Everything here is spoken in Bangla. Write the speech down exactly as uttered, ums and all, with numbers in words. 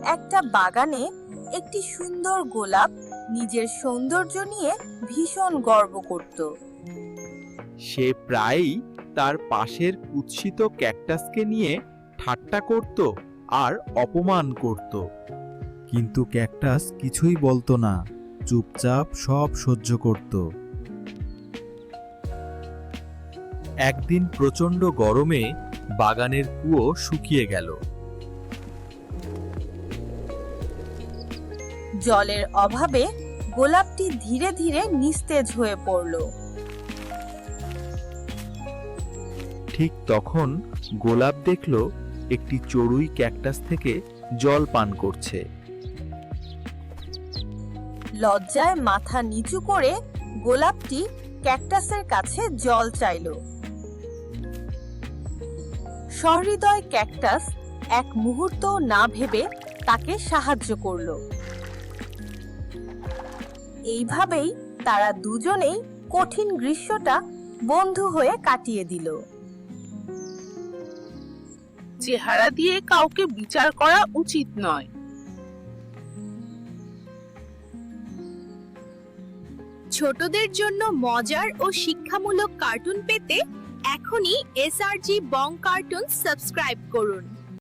একটা বাগানে একটি সুন্দর গোলাপ নিজের সৌন্দর্য নিয়ে ভীষণ গর্ব করত। সে প্রায়ই তার পাশের কুৎসিত ক্যাকটাসকে নিয়ে ঠাট্টা করত আর অপমান করত। কিন্তু ক্যাকটাস কিছুই বলতো না, চুপচাপ সব সহ্য করত। একদিন প্রচণ্ড গরমে বাগানের কুয়ো শুকিয়ে গেল। জলের অভাবে গোলাপটি ধীরে ধীরে নিস্তেজ হয়ে পড়ল। ঠিক তখন গোলাপ দেখল একটি চড়ুই ক্যাকটাস থেকে জল পান করছে। লজ্জায় মাথা নিচু করে গোলাপটি ক্যাকটাসের কাছে জল চাইল। সহৃদয় ক্যাকটাস এক মুহূর্ত না ভেবে তাকে সাহায্য করল। এইভাবেই তারা দুজনেই কঠিন গ্রীষ্মটা বন্ধু হয়ে কাটিয়ে দিল। চেহারা দিয়ে কাউকে বিচার করা উচিত নয়। ছোটদের জন্য মজার ও শিক্ষামূলক কার্টুন পেতে এখনই এসআরজি বং কার্টুন সাবস্ক্রাইব করুন।